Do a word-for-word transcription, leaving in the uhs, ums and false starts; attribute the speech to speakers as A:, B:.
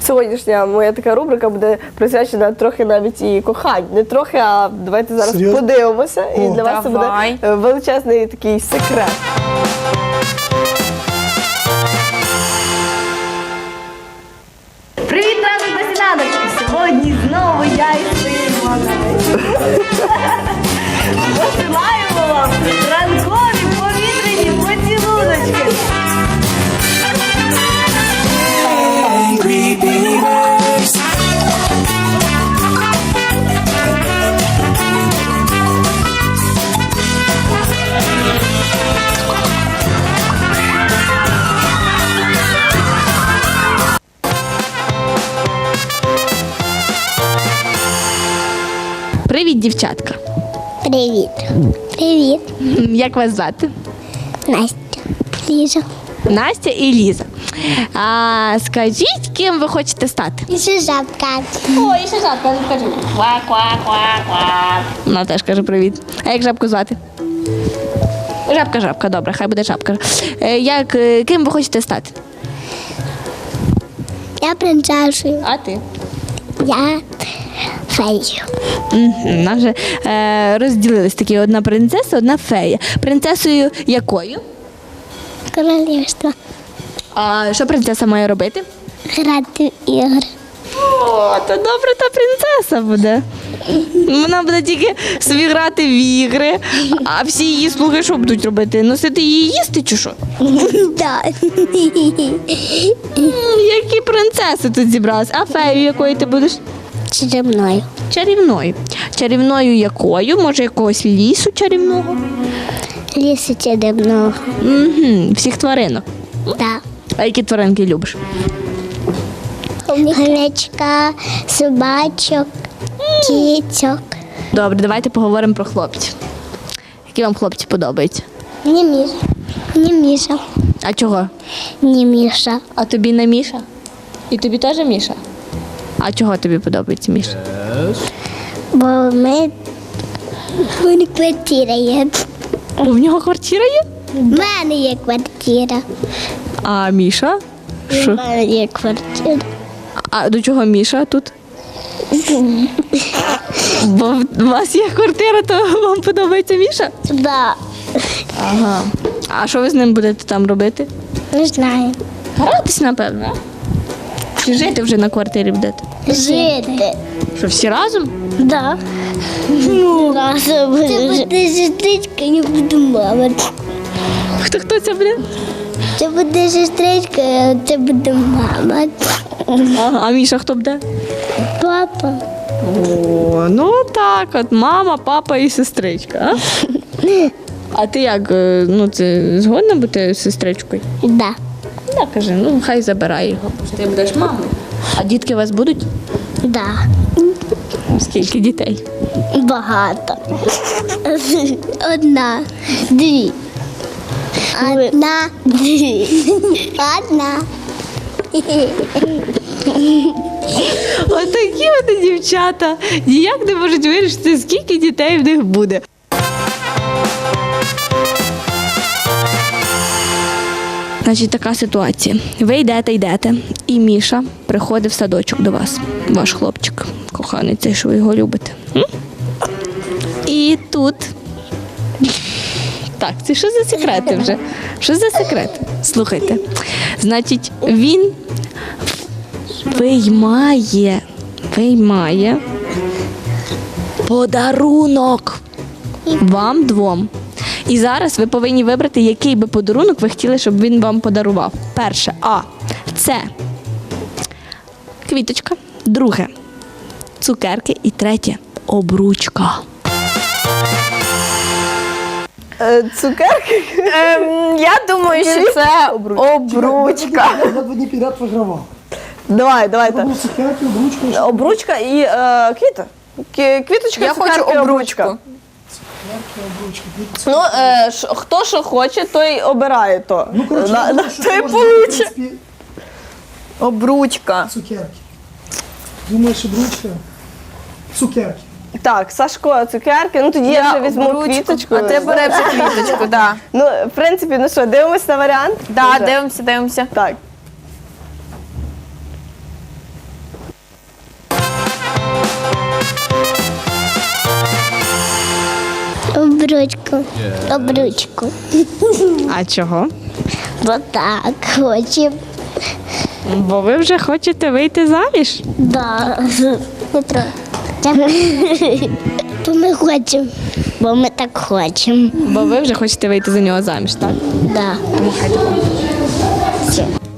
A: Сьогоднішня моя така рубрика буде присвячена трохи навіть і кохань. Не трохи, а давайте зараз
B: Серйозно?
A: подивимося. І
B: О.
A: для вас це буде
C: Давай.
A: е, величезний такий секрет.
D: Привіт, ранок на сніданок! І сьогодні знову я і Симона. Посилаємо вам ранкові повітряні поцілуночки.
C: Привіт, дівчатка.
E: Привіт. Привіт.
C: Як вас звати?
E: Настя. Ліза.
C: Настя і Ліза. А скажіть, ким ви хочете стати?
E: І ще жабка.
C: О, і ще жабка, ну скажи. Ква-ква-ква-ква. Вона теж каже привіт. А як жабку звати? Жабка, жабка, добре, хай буде жабка. Е, Як, е, ким ви хочете стати?
E: Я принцесою.
C: А ти?
E: Я феєю.
C: Угу. Нас вже е, розділились такі: одна принцеса, одна фея. Принцесою якою?
E: Королівство.
C: А що принцеса має робити?
E: Грати в ігри.
C: О, то добре, та принцеса буде. Вона буде тільки собі грати в ігри, а всі її слуги що будуть робити? Носити її їсти чи що?
E: Так.
C: М, Які принцеси тут зібралися? А фею якою ти будеш?
E: Чарівною.
C: Чарівною. Чарівною якою? Може, якогось лісу чарівного?
E: Лісу чарівного.
C: Угу. Всіх тваринок.
E: Так.
C: А які тваринки любиш?
E: Хомячка, собачок, кіцьок.
C: Добре, давайте поговоримо про хлопців. Які вам хлопці подобаються?
E: Не Міша. Не Міша.
C: А чого?
E: Не Міша.
C: А тобі не Міша? І тобі теж Міша? А чого тобі подобається Міша?
E: Бо ми... У мене квартира є.
C: О, в нього квартира є?
E: У мене є квартира.
C: А Міша?
E: У
C: Що?
E: мене є квартира.
C: А до чого Міша тут? Бо у вас є квартира, то вам подобається Міша?
E: Да.
C: Ага. А що ви з ним будете там робити?
E: Не знаю.
C: Гратись, напевно. Чи жити вже на квартирі будете?
E: Жити.
C: Що, всі разом?
E: Да. Ну, це буде сестричка, я буду мама.
C: Хто хто це буде?
E: Це буде сестричка, а це буде мама.
C: Ага. А Міша хто буде?
E: Папа.
C: О, ну так, от мама, папа і сестричка. А, а ти як? е, Ну, це згодна бути сестричкою?
E: Да.
C: Да, каже, ну хай забирай його. Ти будеш мамою. А дітки у вас будуть?
E: Да.
C: Скільки дітей?
E: Багато. Одна. Дві. Одна. Дві. Одна.
C: Отакі от дівчата. Ніяк не можуть вирішити, скільки дітей в них буде. Значить, така ситуація. Ви йдете, йдете, і Міша приходить в садочок до вас, ваш хлопчик, коханий цей, що ви його любите. М? І тут. Так, це що за секрети вже? Що за секрети? Слухайте. Значить, він виймає, виймає подарунок вам двом. І зараз ви повинні вибрати, який би подарунок ви хотіли, щоб він вам подарував. Перше, А. Це квіточка. Друге цукерки. І третє обручка.
A: Е, Цукерки?
D: Ем, я думаю, що це обручка.
B: Я два дні підряд вигравав.
A: Давай, давайте.
B: Був цукерки, обручка. і що?
A: Обручка і е, квіта. Кі- Квіточка,
D: Я
A: цукерки,
D: хочу обручку.
A: обручка.
B: Цукерки, обручка.
A: Ну, е, ш- хто що хоче, той обирає то.
B: Ну, коротше,
A: на,
B: я
A: на,
B: думаю, що
A: той
B: можна, в
A: получить.
B: принципі,
D: Обручка.
B: цукерки. Думаєш, обручка? Цукерки.
A: Так, Сашко, цукерки. Ну тоді я,
D: Я
A: вже візьму
D: обручку.
A: квіточку.
D: А ти бере вже квіточку, так.
A: Ну, в принципі, ну що, дивимось на варіант?
D: Да,
A: Вже?
D: дивимося, дивимося.
A: Так.
E: Обручку. Обручку.
C: А чого?
E: Бо так хочемо.
C: Бо ви вже хочете вийти заміж?
E: Да. Петро. Бо ми хочемо. Бо ми так хочемо.
C: Бо ви вже хочете вийти за нього заміж, так?
E: Да.
C: Тому хай так.
E: Все.